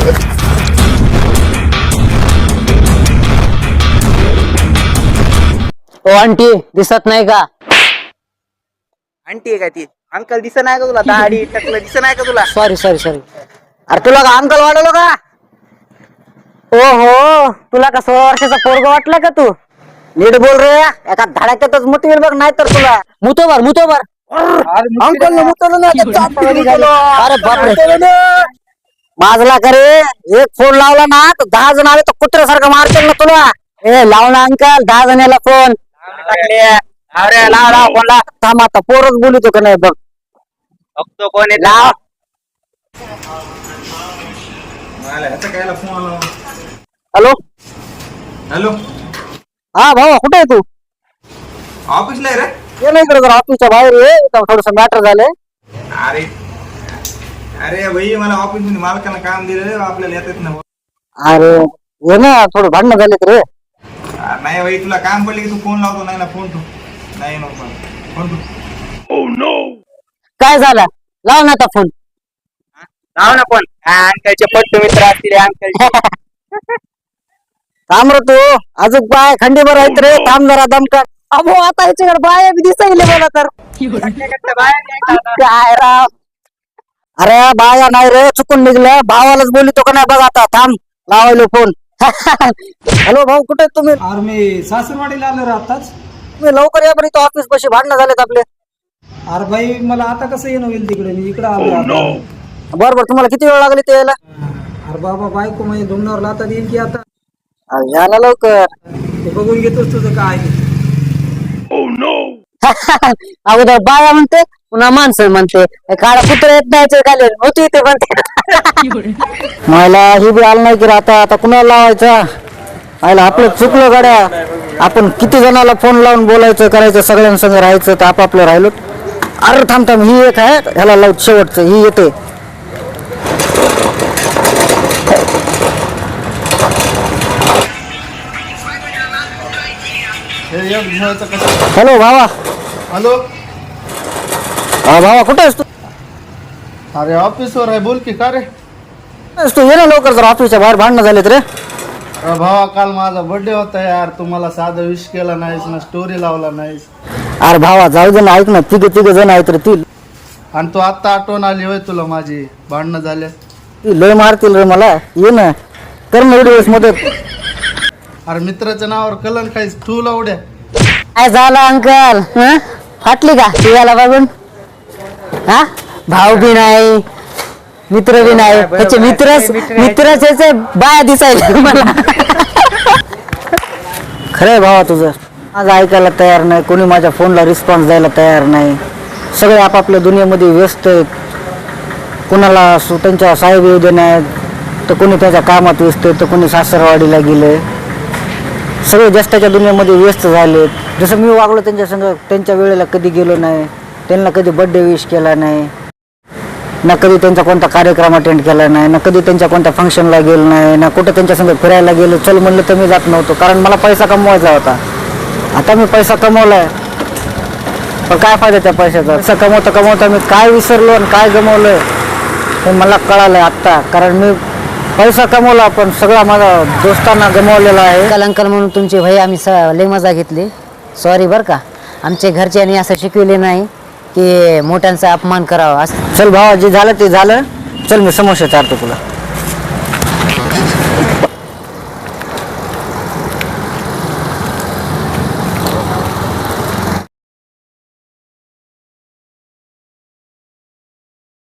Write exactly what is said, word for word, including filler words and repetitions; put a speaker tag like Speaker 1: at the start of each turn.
Speaker 1: ओ aunty दिसत नाही का?
Speaker 2: आंटी आहे का ती? अंकल दिसत नाही का तुला? दाढी टकलं दिसत नाही का तुला?
Speaker 1: Sorry sorry sorry.
Speaker 2: अरे तुला का अंकल वाढवलं का?
Speaker 1: ओ हो, तुला का सोळा वर्षाचा पोरगा वाटला का तू?
Speaker 2: नीट बोल रे, एका धडाक्यातच मुतवेल बघ, नाही तर तुला
Speaker 1: मुतोबर मुतोबर.
Speaker 2: अंकल ने मुतवलं ना, आता चापकाने मुतवलं.
Speaker 1: अरे बापरे.
Speaker 2: मुतवलं. माजला का रे? एक फोन लावला ना तर दहा जण आले तर कुत्र्यासारखं मारतील ना तुला. ए लाव ना अंकल, दहा जणाला फोन. अरे लाव लाव फोन लाव. थांब आता पोरच बोलतो का नाही बघ. बघतो कोण आहे. लाव. हॅलो
Speaker 3: हॅलो,
Speaker 2: हा भाऊ, कुठे आहे तू?
Speaker 3: ऑफिसला आहे रे.
Speaker 2: ये नाही इकडे जरा ऑफिसच्या बाहेर ये, थोडस मॅटर झाले.
Speaker 3: अरे अरे भाई, मला ऑफिस मध्ये मालकानं काम दिलं, आपल्याला येतात ना.
Speaker 2: अरे ये ना, थोडं भांडणं झालेत रे.
Speaker 3: अरे नाही भाई, तुला काम पडले की तू फोन लावतो. नाही ना फोन तू नाही नको फोन तू.
Speaker 1: काय झालं? लाव ना आता फोन.
Speaker 2: लाव ना फोन. अंकलचे पट्टू मित्र असतील अंकल. थांब रे तू, अजून बाय खंडीभर आहेत रे. थांब जरा दमकर.
Speaker 1: अबो आता याच्याकडे बाया बी दिसायले मला तर.
Speaker 2: काय राव. अरे बाया नाही रे, चुकून निघलं. भावालाच बोलितो का नाही बघ आता. थांब लावायलो फोन. हॅलो भाऊ, कुठे आहेत तुम्ही?
Speaker 4: अरे मी सासरवाडीला आलो रे आताच.
Speaker 2: तुम्ही लवकर या बरं, इथं ऑफिस पाशी भांडणं झालेत आपले.
Speaker 4: अरे भाई, मला आता कसं येणं होईल तिकडे? मी इकडे आलो आता.
Speaker 2: बरं बरं, तुम्हाला किती वेळ लागली ते यायला?
Speaker 4: अरे बाबा, बायको म्हणजे डोंगरावर आता येईल की आता?
Speaker 2: अरे या ना लवकर.
Speaker 4: ते बघून घेतोस तुझं काय ते.
Speaker 1: अगोदर बाया म्हणते, पुन्हा माणसं म्हणते. काळा कुत्रा येत नाही खाली होती ते म्हणते.
Speaker 2: मला ही बी आलं नाही की रे आता. आता कुणाला लावायचा? आयला आपलं चुकलं गाड्या. आपण किती जणाला फोन लावून बोलायचं, करायचं, सगळ्यांसंग राहायचं, तर आपापलं राहिलो. अरे थांब थांब, ही एक आहे, ह्याला लावत शेवटचं. ही येते. हॅलो भावा.
Speaker 5: हॅलो.
Speaker 2: हा भावा, कुठे आहेस तू?
Speaker 5: अरे ऑफिसवर आहे, बोल की. का रे?
Speaker 2: तू ये ना लवकर, जर ऑफिसच्या बाहेर भांडणं झालेत रे.
Speaker 5: अरे भावा, काल माझा बर्थडे होता यार. तुम्हाला साधा विश केला नाहीस ना, स्टोरी लावला नाहीस.
Speaker 2: अरे भावा जाऊ दे ना, ऐक ना, तिघे तिघे जण आहेत रे. ती
Speaker 5: आणि तू आता आठवण आली होय तुला माझी? भांडणं झाले.
Speaker 2: ती लय मारतील रे मला. ये ना, कर ना एवढी मदत.
Speaker 5: अरे मित्राच्या नावावर कलंक खाईस तू लावड्या.
Speaker 1: काय झालं अंकल? हं? फाटली का याला बघून? हा, भाऊ बी नाही, मित्र बी नाही. त्याचे मित्र मित्राचे बाया दिसायला मला.
Speaker 2: खरंय भावा तुझं. माझं ऐकायला तयार नाही, कोणी माझ्या फोनला रिस्पॉन्स द्यायला तयार नाही. सगळे आपापल्या दुनियेमध्ये व्यस्त आहेत. कोणाला सु- त्यांच्या साहेब येऊ देण्यात, तर कोणी त्याच्या कामात व्यस्त आहे, तर कोणी सासरवाडीला गेले. सगळे जस्ताच्या दुनियेमध्ये व्यस्त झालेत. जसं मी वागलो त्यांच्या संग, त्यांच्या वेळेला कधी गेलो नाही, त्यांना कधी बर्थडे विश केला नाही, ना कधी त्यांचा कोणता कार्यक्रम अटेंड केला नाही, ना कधी त्यांच्या कोणत्या फंक्शनला गेलो नाही, ना कुठं त्यांच्या संग फिरायला गेलो. चल म्हणलं तर मी जात नव्हतो, कारण मला पैसा कमवायचा होता. आता मी पैसा कमवलाय, पण काय फायदा त्या पैशाचा? पैसा कमवता कमवता मी काय विसरलो आणि काय गमवलंय हे मला कळालंय आत्ता. कारण मी पैसा कमवला, पण सगळा माझा दोस्तांना गमावलेला आहे.
Speaker 1: अंकल अंकल म्हणून तुमची भाई आम्ही स लय मजा घेतली. सॉरी बरं का. आमच्या घरच्यांनी असं शिकवले नाही की मोठ्यांचा अपमान करावा.
Speaker 2: चल भावा, जे झालं ते झालं. चल मी समोसा चारतो तुला.